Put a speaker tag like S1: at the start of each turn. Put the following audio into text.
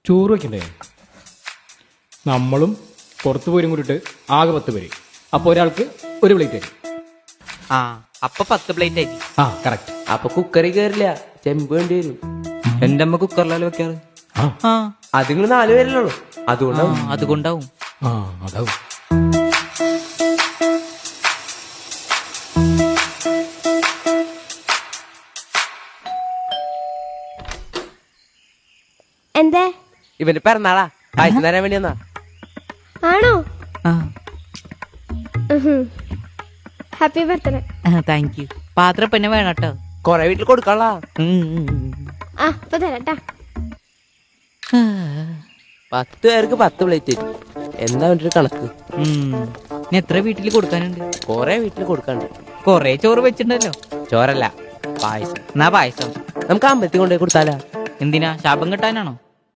S1: ചോറ് വയ്ക്കണ്ടേ? നമ്മളും പുറത്തു പോരും കൂടിയിട്ട് ആകെ 10 പേര്. അപ്പോൾ ഒരാൾക്ക് ഒരു പ്ലേറ്റ് തരും.
S2: ആ അപ്പൊ 10 പ്ലേറ്റ് ആയി.
S1: ആ കറക്റ്റ്.
S3: അപ്പൊ കുക്കറി കയറില്ല, ചെമ്പ് വേണ്ടി വരും.
S2: എന്റെ അമ്മ കുക്കറിലല്ലോ വെക്കാറ്. ആ
S3: അത് നിങ്ങൾ 4 പേരല്ലേ ഉള്ളൂ, അതുകൊണ്ടാവും.
S2: അതുകൊണ്ടാവും.
S1: ആ അതാവും.
S4: എന്തേ?
S3: ഇവന്റെ പിറന്നാളാ, പായസം തരാൻ വേണ്ടി വന്നാ.
S4: ആണോ?
S2: ആ
S4: ഹാപ്പി ബർത്ത്ഡേ.
S2: Thank you. പാത്രം പിന്നെ വേണം കേട്ടോ.
S3: കൊറേ വീട്ടിൽ കൊടുക്കാനുള്ള.
S4: ആ ഇപ്പൊ തരാട്ടാ.
S3: 10 പേർക്ക് 10 പ്ലേറ്റ് തരും. എന്താ വേണ്ടി കണക്ക്?
S2: എത്ര വീട്ടിൽ കൊടുക്കാനുണ്ട്?
S3: കൊറേ വീട്ടിൽ കൊടുക്കാണ്ട്.
S2: കൊറേ ചോറ് വെച്ചിട്ടുണ്ടല്ലോ.
S3: ചോറല്ല, പായസം.
S2: എന്നാ പായസം
S3: നമുക്ക് അമ്പലത്തിൽ കൊണ്ടുപോയി കൊടുത്താലാ?
S2: എന്തിനാ, ശാപം കിട്ടാനാണോ?